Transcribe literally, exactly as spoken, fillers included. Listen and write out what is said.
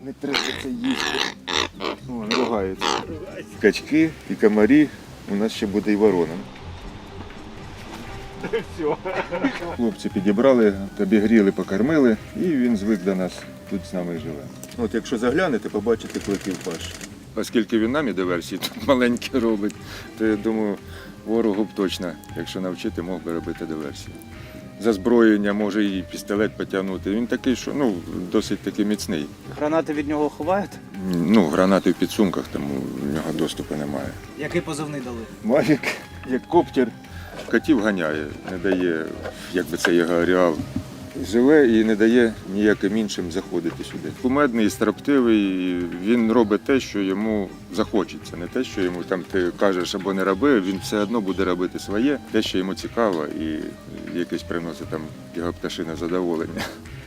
Не треба це їсти. О, ругається. Качки і комарі, у нас ще буде і ворона. Хлопці підібрали, обігріли, покормили, і він звик до нас, тут з нами живе. От якщо заглянете, побачите кликів паш. Оскільки він нам і диверсії тут маленькі робить, то я думаю, ворогу б точно, якщо навчити, мог би робити диверсії. За зброєння може і пістолет потягнути. Він такий, що ну, досить таки міцний. Гранати від нього ховають? Ну, гранати в підсумках, тому в нього доступу немає. Який позивний дали? Мавік, як коптер, котів ганяє, не дає, як би це його ареал. Живе і не дає ніяким іншим заходити сюди. Кумедний, строптивий, він робить те, що йому захочеться. Не те, що йому там ти кажеш або не роби, він все одно буде робити своє, те, що йому цікаво і якесь приносить там його пташине задоволення.